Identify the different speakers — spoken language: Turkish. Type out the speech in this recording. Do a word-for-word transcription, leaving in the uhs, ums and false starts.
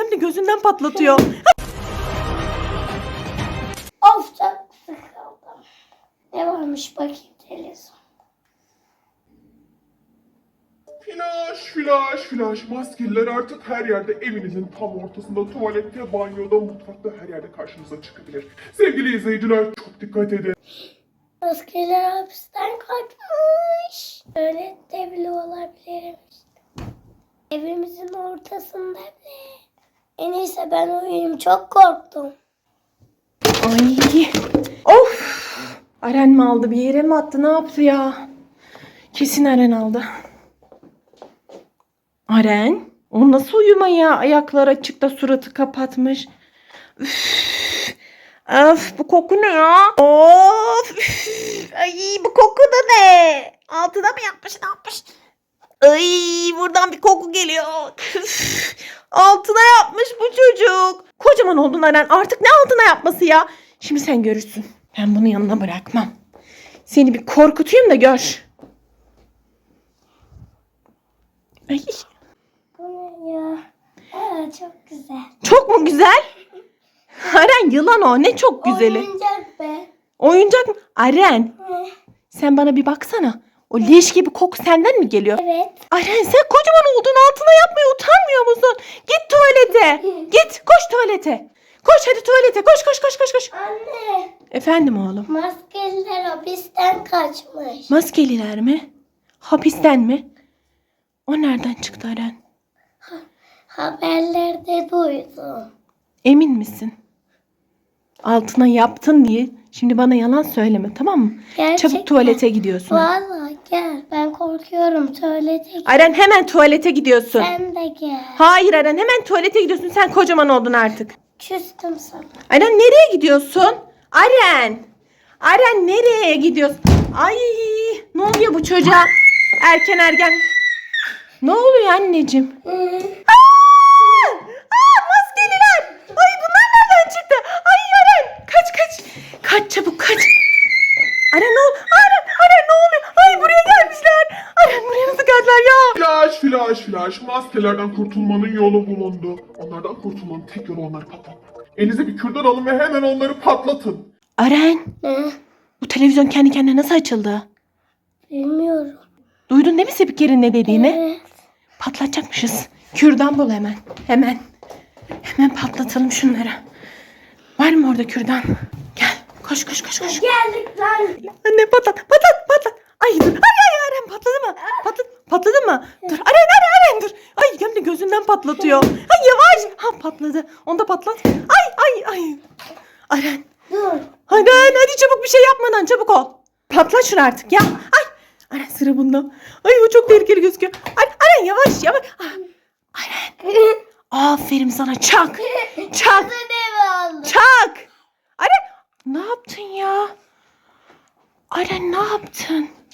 Speaker 1: hem de gözünden patlatıyor.
Speaker 2: Of çok sıkıldım. Ne varmış bakayım televizyon.
Speaker 3: Flash, flash, flash. Maskeliler artık her yerde, evinizin tam ortasında, tuvalette, banyoda, mutfakta, her yerde karşınıza çıkabilir. Sevgili izleyiciler, çok dikkat edin.
Speaker 2: Maskeler hapisten kaçmış. Öyle de bile olabilirmiş. Evimizin ortasında bile. En iyisi ben uyuyayım. Çok korktum.
Speaker 1: Ay. Of. Aren mi aldı, bir yere mi attı, ne yaptı ya? Kesin Aren aldı. Aren? O nasıl uyuma ya? Ayaklar açık da suratı kapatmış. Üf. Öf, bu koku ne ya? Of. Üf. Ay, bu koku da ne? Altına mı yapmış, ne yapmış? Ay, buradan bir koku geliyor. Üf. Altına yapmış bu çocuk. Kocaman oldun Aren. Artık ne altına yapması ya? Şimdi sen görürsün. Ben bunu yanına bırakmam. Seni bir korkutayım da gör. Ay.
Speaker 2: Bu ne ya? Aa, çok güzel.
Speaker 1: Çok mu güzel? Aren, yılan o. Ne çok güzeli.
Speaker 2: Oyuncak be.
Speaker 1: Oyuncak mı? Aren,
Speaker 2: Ne?
Speaker 1: sen bana bir baksana. O leş gibi koku senden mi geliyor?
Speaker 2: Evet.
Speaker 1: Aren, sen kocaman oldun, altına yapmaya utanmıyor musun? Git tuvalete. Git, koş tuvalete. Koş hadi tuvalete. Koş koş koş koş koş.
Speaker 2: Anne.
Speaker 1: Efendim oğlum.
Speaker 2: Maskeliler hapisten kaçmış.
Speaker 1: Maskeliler mi? Hapisten mi? O nereden çıktı Aren?
Speaker 2: Haberlerde duydum.
Speaker 1: Emin misin? Altına yaptın diye şimdi bana yalan söyleme, tamam mı?
Speaker 2: Gerçekten.
Speaker 1: Çabuk tuvalete gidiyorsun.
Speaker 2: Vallahi gel. Ben korkuyorum. Tuvalete gel.
Speaker 1: Aren, hemen tuvalete gidiyorsun.
Speaker 2: Sen de gel.
Speaker 1: Hayır Aren, hemen tuvalete gidiyorsun. Sen kocaman oldun artık.
Speaker 2: Küstüm sana.
Speaker 1: Aren, nereye gidiyorsun? Aren. Aren, nereye gidiyorsun? Ay, ne oluyor bu çocuğa? Erken ergen. Ne oluyor anneciğim? Aa, aa, maskeliler. Ay, bunlar nereden çıktı? Ay Aren, kaç kaç. Kaç çabuk, kaç. Aren ne oluyor? Aren, Aren ne oluyor? Ay, buraya gelmişler. Aren, buraya nasıl geldiler ya?
Speaker 3: Flash, flash, flash. Maskelerden kurtulmanın yolu bulundu. Onlardan kurtulmanın tek yolu onları patlatmak. Elinize bir kürdan alın ve hemen onları patlatın.
Speaker 1: Aren,
Speaker 2: Ne?
Speaker 1: bu televizyon kendi kendine nasıl açıldı?
Speaker 2: Bilmiyorum.
Speaker 1: Duydun değil mi Spiker'in ne dediğini?
Speaker 2: Evet.
Speaker 1: Patlatacakmışız. Kürdan bul hemen. Hemen. Hemen patlatalım şunları. Var mı orada kürdan? Gel. Koş koş koş koş.
Speaker 2: Geldik lan.
Speaker 1: Anne patlat. Patlat patlat. Ay dur. Ay ay Aren, patladı mı? Patladı, patladı mı? Dur. Aren Aren Aren dur. Ay, hem de gözünden patlatıyor. Ay yavaş. Ha, patladı. Onu da patlat. Ay ay ay. Aren.
Speaker 2: Dur.
Speaker 1: Hadi hadi çabuk, bir şey yapmadan çabuk ol. Patlat şunu artık ya. Ay. Aren, sıra bunda. Ay, bu çok tehlikeli gözüküyor. Ay, Aren yavaş yavaş. Ah. Aren. Aferin sana, çak. Çak.
Speaker 2: Ne oldu?
Speaker 1: Çak. Aren, ne yaptın ya? Aren, ne yaptın?